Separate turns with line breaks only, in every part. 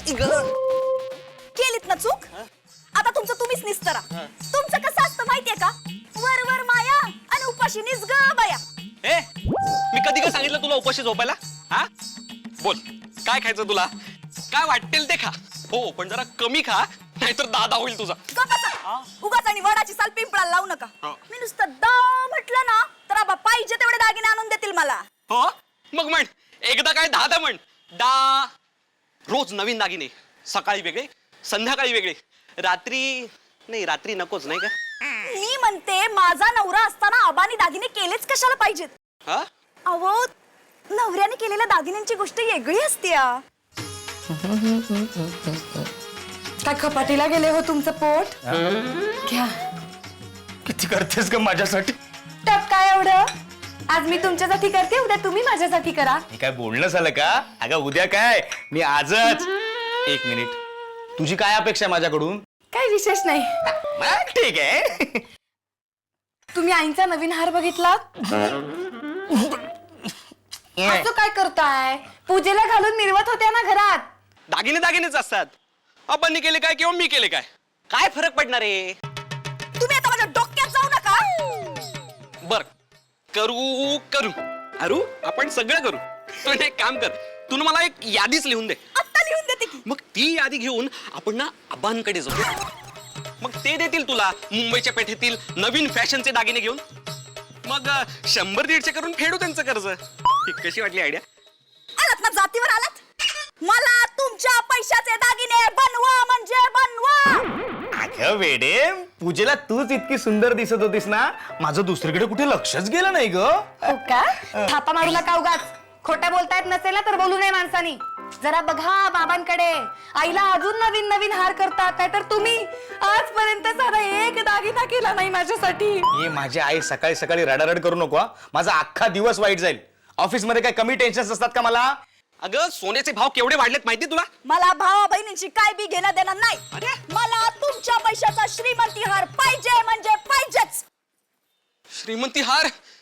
केलीत ना चूक, आता तुमचं तुम्हीच निस्तरा. तुमचं कसं असतं माहितीये का, वर वर माया आणि उपाशी निज ग बाया.
ए मी कधी काय सांगितलं तुला उपाशी झोपायला? हा बोल, काय खायचं तुला? काय वाटेल ते खा. हो पण जरा कमी खा, नाहीतर दादा होईल तुझा.
उगाच आणि वडाची साल पिंपळाला लावू नका. मी नुसतं दा म्हटलं ना तर आबा पाहिजे तेवढे दागिने आणून देतील मला.
हो मग म्हण, एकदा काय 10 म्हण. रोज नवीन दागिने, सकाळी वेगळे संध्याकाळी वेगळे, रात्री नाही, रात्री नकोच नाही का?
मी म्हणते माझा नवरा असताना आबानी दागिने केलेच कशाला पाहिजेत?
हा
अहो नवऱ्याने केलेल्या दागिन्यांची गोष्ट वेगळी असते. काय खपाटीला गेले हो तुमचं पोट? घ्या.
किती करतेस का माझ्यासाठी?
टप काय एवढं? आज मी तुमच्यासाठी करते, उद्या तुम्ही माझ्यासाठी करा.
हे काय बोलणं झालं का? अगं उद्या काय, मी आजच. एक मिनिट, तुझी काय अपेक्षा आहे माझ्याकडून?
काय विशेष नाही.
मग ठीक आहे.
तुम्ही आईचा नवीन हार बघितला? असं काय करताय? पूजेला घालून मिरवत होत्या ना घरात.
दागिने दागिनेच असतात. आपण केले काय किंवा मी केले काय, काय फरक पडणार आहे?
तुम्ही आता माझ्या डोक्यात जाऊ नका.
बर करू करू अरू, आपण सगळं करू. तू एक काम कर, तू मला एक यादीच लिहून दे.
आत्ता लिहून देते की.
मग ती यादी घेऊन आपण ना आबांकडे जाऊ. मग ते देतील तुला मुंबईच्या पेठेतील नवीन फॅशनचे दागिने घेऊन. मग 100-150 करून फेडू त्यांचं कर्ज. कशी वाटली आयडिया?
आलात ना जातीवर आलात. मला तुमच्या पैशाचे दागिने बनवा म्हणजे बनवा.
अगं वेडे, पूजेला तूच इतकी सुंदर दिसत होतीस ना, माझं दुसरीकडे कुठे लक्षच गेलं नाही ग.
हो का? थापा मारू नका उगाच. खोटं बोलता येत नसेल ना तर बोलू नये माणसानी. जरा बघा बाबांकडे, आईला अजून नवीन नवीन हार करतात, नाहीतर तुम्ही आजपर्यंत साधा एक दागिना केला नाही माझ्यासाठी.
ये माझी आई सकाळी सकाळी रडारड करू नको. माझा अख्खा दिवस वाईट जाईल. ऑफिस मध्ये काय कमी टेन्शन असतात का मला?
अगं सोन्याचे भाव केवढे वाढलेत माहिती तुला?
मला भावा बहिणींची काय बी घेणं देणं नाही. मला तुमच्या पैशाचा श्रीमंती हार पाहिजे म्हणजे पाहिजेच.
श्रीमंती हार?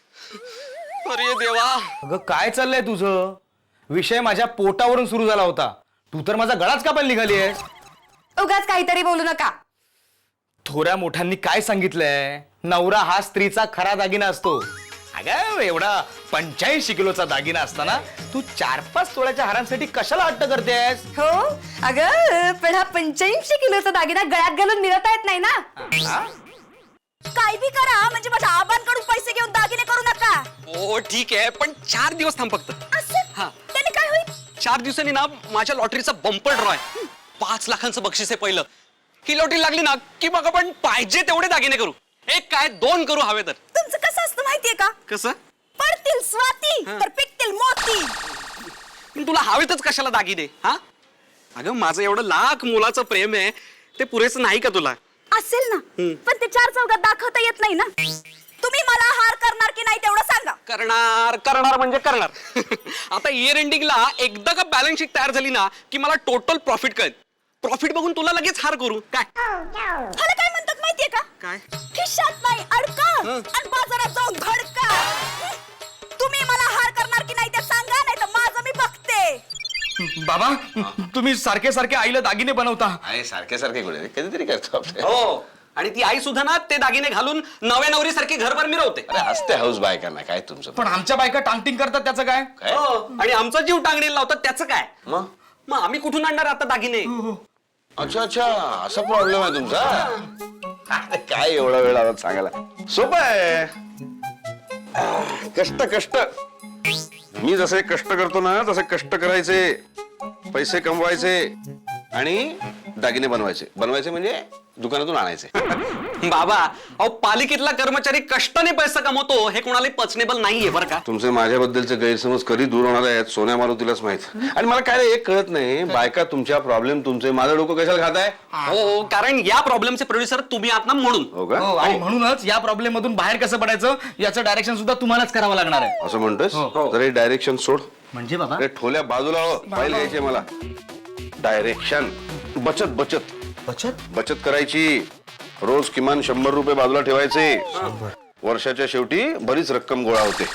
अरे देवा.
अगं काय चाललंय तुझं? विषय माझ्या पोटावरून सुरू झाला होता, तू तर माझा गळाच कापायला निघाली आहेस.
उगाच काहीतरी बोलू नका.
थोड्या मोठ्यांनी काय सांगितलंय, नवरा हा स्त्रीचा खरा दागिना असतो. अगं एवढा 85 किलोचा दागिना असताना तू 4-5 तोळ्याच्या हारांसाठी कशाला हट्ट करतेस?
हो अगं पण हा 85 किलोचा दागिना गळ्यात घालून मिळवता येत नाही ना. काय बी करा म्हणजे माझ्या आबांकडून पैसे घेऊन दागिने करू नका.
हो ठीक आहे, पण 4 दिवस थांब फक्त.
असं त्याने काय होईल?
4 दिवसांनी ना माझ्या लॉटरीचा बंपर ड्रॉ आहे. 5 लाखांचं बक्षीस आहे पहिलं. ही लॉटरी लागली ना की मग आपण पाहिजे तेवढे दागिने करू. एक काय 2 करू हवे तर.
तुमचं कसं असतं माहितीये का?
कसं?
पडतील स्वाती तर पिकतील मोती.
तुला हवेतच कशाला दागिने? हा अगं माझं एवढं लाख मुलाचं प्रेम आहे, ते पुरेसं नाही का तुला?
असेल ना, पण ते 4 चौघात दाखवता येत नाही ना. तुम्ही मला हार करणार की नाही तेवढं सांगा.
करणार करणार म्हणजे करणार. आता इयर एंडिंगला एकदा का बॅलन्स शीट तयार झाली ना की मला टोटल प्रॉफिट कळेल. प्रॉफिट बघून तुला लगेच हार करू. काय
ह्याला काय म्हणतात माहितीये का?
काय?
खिशात नाही अडका आणि बाजारात जाऊन धडका. तुम्ही मला हार करणार की नाही ते सांगा, नाही तर माझं मी बघते.
बाबा तुम्ही सारखे सारखे आईला दागिने बनवता.
आहे सारखे सारखे कुठे कधीतरी करतो आपले.
हो, आणि ती आई सुद्धा ना ते दागिने घालून नव्या नवरी सारखी घरभर मिरवते.
अरे हसते हाऊस बायकांना काय तुमचं?
पण आमच्या बायका टांगटिंग करतात, त्याचं काय?
काय?
हो, आणि आमचा जीव टांगणीला लावतात, त्याचं काय?
मग
मग आम्ही कुठून आणणार आता दागिने?
अच्छा अच्छा, असा प्रॉब्लेम आहे तुमचा. अरे, काय एवढा वेळ आला सांगायला? सोपं आहे. कष्ट कष्ट. मी जसे कष्ट करतो ना तसे कष्ट करायचे, पैसे कमवायचे आणि दागिने बनवायचे. बनवायचे म्हणजे दुकानातून आणायचे.
बाबा अहो, पालिकेतला कर्मचारी कष्टाने पैसा कमवतो हे कोणाला पचनेबल नाहीये बरं का?
तुमचे माझ्याबद्दलचे गैरसमज कधी दूर होणार आहेत सोन्या मारुतीलाच माहित. आणि मला काय एक कळत नाही, बायका तुमच्या प्रॉब्लेम तुमचे माझं डोकं कशाला खाताय?
हो, कारण या प्रॉब्लेमचे प्रोड्युसर तुम्ही आहात ना म्हणून.
हो का?
हो, आणि म्हणूनच या प्रॉब्लेम मधून बाहेर कसं पडायचं याचं डायरेक्शन सुद्धा तुम्हालाच करावं लागणार आहे.
असं म्हणतोस? तर हे डायरेक्शन सोड.
म्हणजे बाबा
अरे ठोल्या बाजूला हो, पाहिले यायचे मला. डायरेक्शन बचत बचत
बचत
बचत करायची. रोज किमान 100 रुपये बाजूला ठेवायचे. वर्षाच्या शेवटी बरीच रक्कम गोळा होते.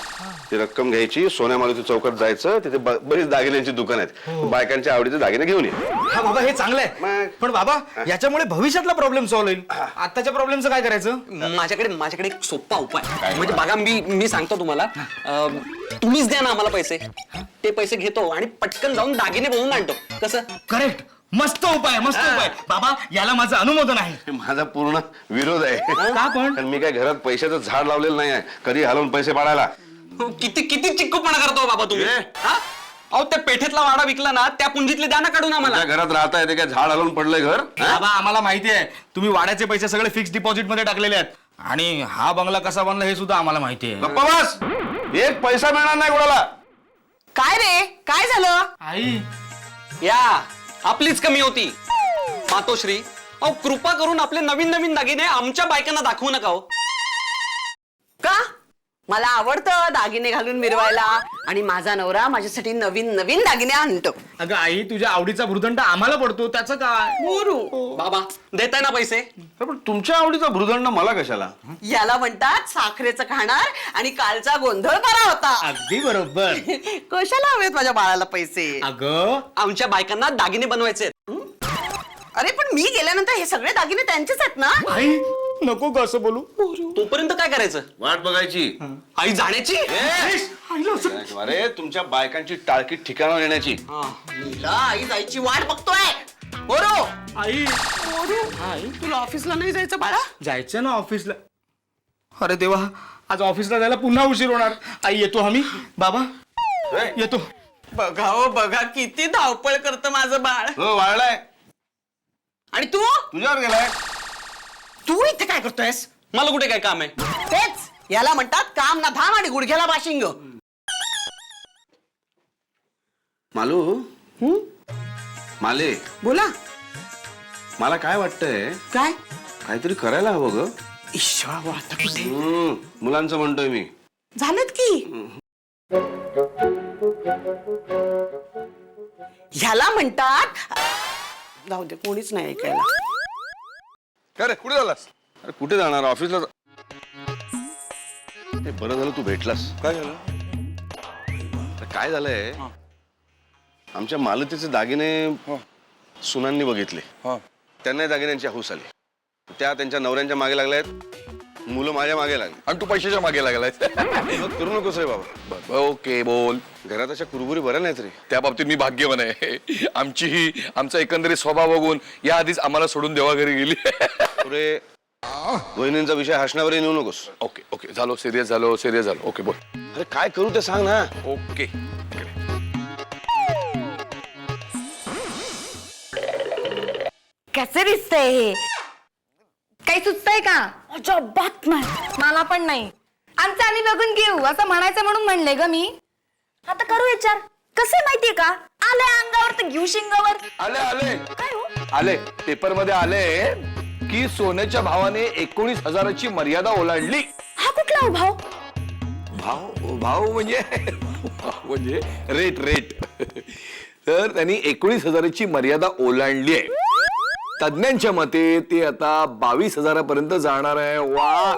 ती रक्कम घ्यायची, सोन्या मारुती चौकात जायचं, तिथे बरीच दागिन्यांची दुकान आहेत, बायकांच्या आवडीचे दागिने घेऊन ये.
हा बाबा हे चांगलं आहे.
मग?
पण बाबा याच्यामुळे भविष्यातला प्रॉब्लेम सॉल्व्ह होईल. आताच्या प्रॉब्लेमचं काय करायचं?
माझ्याकडे एक सोपा उपाय म्हणजे बघा, मी सांगतो तुम्हाला. तुम्हीच द्या ना आम्हाला पैसे, ते पैसे घेतो आणि पटकन जाऊन दागिने बनवून आणतो. कसं?
करेक्ट. मस्त उपाय, मस्त उपाय बाबा, याला माझं अनुमोदन आहे.
माझा पूर्ण विरोध आहे.
का पण?
कारण मी काय घरात पैशाचं झाड लावलेलं नाही आहे, कधी हलवून पैसे पाडायला.
किती किती चिक्कूपणा करतो बाबा तुम्ही.
ए?
हा? अहो त्या पेठेतला वाडा विकला ना, त्या पुंजीतले द्या ना काढून आम्हाला.
त्या घरात राहताय ते काय झाड हलवून पडलंय घर? हा?
बाबा आम्हाला माहिती आहे तुम्ही वाड्याचे पैसे सगळे फिक्स डिपॉझिट मध्ये टाकलेले आहेत, आणि हा बंगला कसा बनला हे सुद्धा आम्हाला माहिती आहे.
गप्पा बस, एक पैसा मिळणार नाही कोणाला.
काय रे, काय झालं?
आई
या आपलीच कमी होती मातोश्री. अहो कृपा करून आपले नवीन नवीन दागिने आमच्या बायकांना दाखवू नका हो.
का? मला आवडतं दागिने घालून मिरवायला, आणि माझा नवरा माझ्यासाठी नवीन नवीन दागिने आणतो.
अगं आई, तुझ्या आवडीचा भृदंड आम्हाला पडतो, त्याचं काय?
बाबा देताय ना पैसे?
पण तुमच्या आवडीचा भृदंड मला कशाला?
याला म्हणतात साखरेचं खाणार, आणि कालचा गोंधळ बरा होता.
अगदी बरोबर.
कशाला हवेत माझ्या बाळाला पैसे?
अगं
आमच्या बायकांना दागिने बनवायचे आहेत.
अरे पण मी गेल्यानंतर हे सगळे दागिने त्यांचेच आहेत ना.
आई नको ग असं बोलू.
तोपर्यंत काय करायचं?
वाट बघायची.
आई जाण्याची?
अरे तुमच्या बायकांची टाळकी ठिकाणावर येण्याची.
हिला आई जायची वाट बघतोय. बोरो,
आई
तुला ऑफिसला नाही जायचं बाळा?
जायचं ना ऑफिसला. अरे देवा, आज ऑफिसला जायला पुन्हा उशीर होणार. आई येतो आम्ही. बाबा येतो.
बघा हो बघा, किती धावपळ करतं माझं बाळ.
हो वाळलाय.
आणि तू
तुझ्यावर गेलाय.
तू इथे काय करतोयस?
मला कुठे काय काम आहे?
तेच याला म्हणतात काम ना धाम आणि गुडघ्याला बाशिंग.
मालू, माले,
बोला.
मला काय वाटतंय,
काय?
काहीतरी करायला हवं ग.
ईश्वा आता कुठे
मुलांचं म्हणतोय मी.
झालंत की. ह्याला म्हणतात, जाऊ दे कोणीच नाही ऐकायला.
काय रे, कुठे झालास? अरे कुठे जाणार, ऑफिसला ते. बरं झालं तू भेटलास. काय झालं? काय झालंय, आमच्या मालतीचे दागिने सुनांनी बघितले. त्यांनाही दागिन्यांची हौस आली. त्या त्यांच्या नवऱ्यांच्या मागे लागल्यात, मुलं माझ्या मागे लागली.
आणि तू पैशाच्या मागे लागलाय.
मग करू नकोस रे बाबा.
ओके बोल.
घरात अशा कुरबुरी बऱ्या नाहीत रे.
त्या बाबतीत मी भाग्यवान आहे. आमचा एकंदरीत स्वभाव बघून या आधीच आम्हाला सोडून देवा घरी गेली.
पुरे वहिनींचा विषय हसण्यावर नेऊ नकोस.
ओके ओके झालो, सिरियस झालो. ओके बोल.
अरे काय करू ते सांग ना.
ओके.
कसे दिसतंय हे? काही सुचतंय का? अजिबात नाही. मला पण नाही. आमचं आम्ही बघून घेऊ असं म्हणायचं म्हणून म्हणले ग मी. आता करू विचार. कसे माहितीये का? आले अंगावर तर घेऊ शिंगावर.
आले
काय हो?
आले पेपर मध्ये आले की सोन्याच्या भावाने 19,000ची मर्यादा ओलांडली.
हा कुठला हो भाव?
भाव म्हणजे रेट. तर त्यांनी 19,000ची मर्यादा ओलांडली आहे. तज्ञांच्या मते ते आता 22,000पर्यंत जाणार आहे. वा.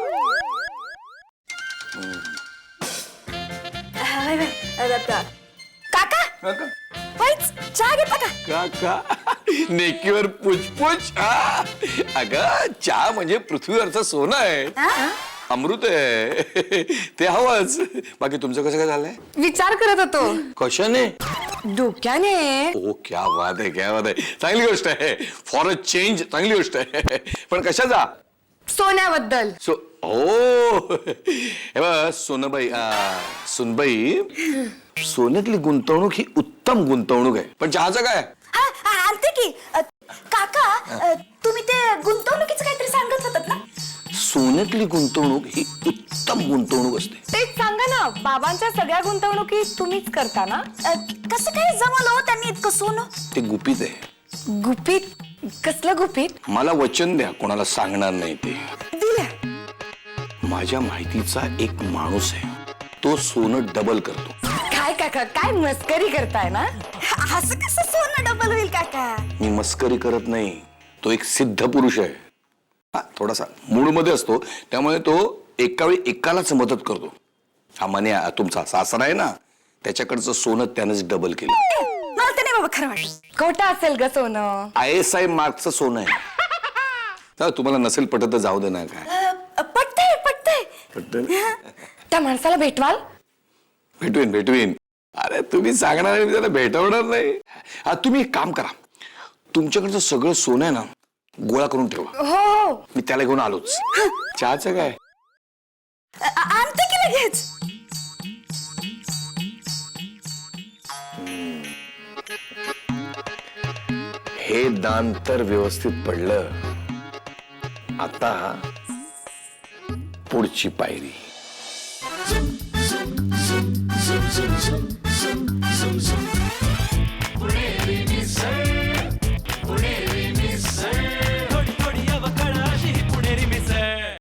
काका वाईच चहा घेता का?
काका नेकीवर पुचपुच. अगं चहा म्हणजे पृथ्वीवरचं सोनं आहे,
हा?
अमृत आहे. ते हवंच. बाकी तुमचं कसं काय झालंय?
विचार करत होतो.
कशाने?
डोक्याने.
ओ क्या बात आहे, क्या बात आहे. चांगली गोष्ट आहे. फॉर अ चेंज चांगली गोष्ट आहे. पण कशाचा?
सोन्याबद्दल.
हो हे बघ सोनबाई, सुनबाई, सोन्यातली गुंतवणूक ही उत्तम गुंतवणूक आहे. पण चहाचं काय?
आणते की. काका तुम्ही ते गुंतवणुकीचं काहीतरी सांगत होतात ना?
सोन्यातली गुंतवणूक ही उत्तम गुंतवणूक असते.
तेच सांगा ना. बाबांच्या सगळ्या गुंतवणुकी तुम्हीच करता ना? कसं काय जमलं त्यांनी इतकं सोनं?
ते गुपित आहे.
गुपित? कसलं गुपित?
मला वचन द्या, कोणाला सांगणार नाही ते.
दिलं.
माझ्या माहितीचा एक माणूस आहे, तो सोनं डबल करतो.
काय काका, काय मस्करी करताय ना? असं कसं सोनं डबल होईल काका?
मी मस्करी करत नाही. तो एक सिद्ध पुरुष आहे. थोडासा मूड मध्ये असतो, त्यामुळे तो एका वेळी एकालाच मदत करतो. हा मने तुमचा सासरा आहे ना, त्याच्याकडचं सोनं त्यानंच डबल केलं.
मला ते नाही बाबा खरं वाटत. खोटं असेल ग सोनं.
ISI मार्कचं सोनं आहे. तर तुम्हाला नसेल पटत तर जाऊ दे ना. काय
पटतंय पटतंय.
पटत
त्या माणसाला भेटवाल.
भेटवीन. अरे तुम्ही सांगणार आणि मी त्याला भेटवणार नाही. तुम्ही एक काम करा, तुमच्याकडचं सगळं सोनं आहे ना गोळा करून ठेवा.
हो
मी त्याला घेऊन आलोच. चहाचं काय?
आणते की लगेच.
हे दान तर व्यवस्थित पडलं. आता पुढची पायरी.